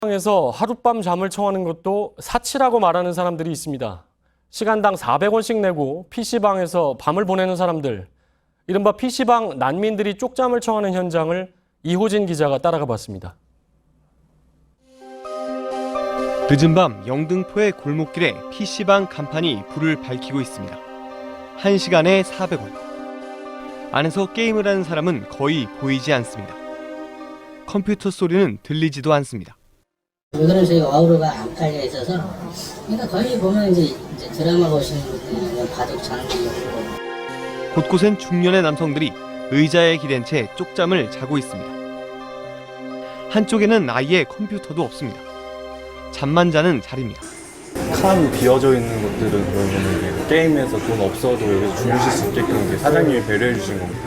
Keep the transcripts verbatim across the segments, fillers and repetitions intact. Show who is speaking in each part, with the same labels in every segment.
Speaker 1: 에서 하룻밤 잠을 청하는 것도 사치라고 말하는 사람들이 있습니다. 시간당 사백 원씩 내고 피시방에서 밤을 보내는 사람들, 이른바 피시방 난민들이 쪽잠을 청하는 현장을 이호진 기자가 따라가 봤습니다.
Speaker 2: 늦은 밤 영등포의 골목길에 피시방 간판이 불을 밝히고 있습니다. 한 시간에 사백 원. 안에서 게임을 하는 사람은 거의 보이지 않습니다. 컴퓨터 소리는 들리지도 않습니다.
Speaker 3: 요새는 저희 와우로가 안 깔려 있어서, 그러니까 거의 보면 이제, 이제 드라마 보시는 분들이 바둑 장기 보고.
Speaker 2: 곳곳엔 중년의 남성들이 의자에 기댄 채 쪽잠을 자고 있습니다. 한쪽에는 아예 컴퓨터도 없습니다. 잠만 자는 자리입니다.
Speaker 4: 칸 비어져 있는 것들은 그러면 게임에서 돈 없어도 여기서 주무실 수 있게끔 사장님이 배려해 주신 겁니다.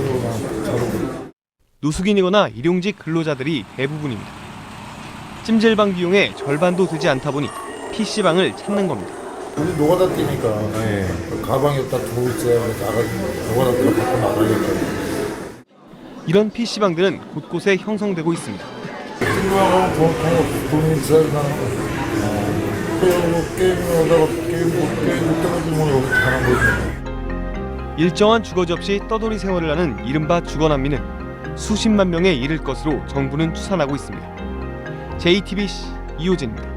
Speaker 2: 노숙인이거나 일용직 근로자들이 대부분입니다. 찜질방 비용의 절반도 되지 않다 보니 피시방을 찾는 겁니다.
Speaker 5: 우리 노가다 뛰니까
Speaker 4: 네.
Speaker 5: 가방에다 두고 있어야 나가지고 노가다 뛰러 밖으로 나가니까.
Speaker 2: 이런 피시방들은 곳곳에 형성되고 있습니다.
Speaker 5: 게임하고 돈, 돈 있어야 하는 거. 게임을 하다가 게임 못 게임 떨어지면 여기 가는 거지.
Speaker 2: 일정한 주거지 없이 떠돌이 생활을 하는 이른바 주거난민은 수십만 명에 이를 것으로 정부는 추산하고 있습니다. 제이티비씨 이호진입니다.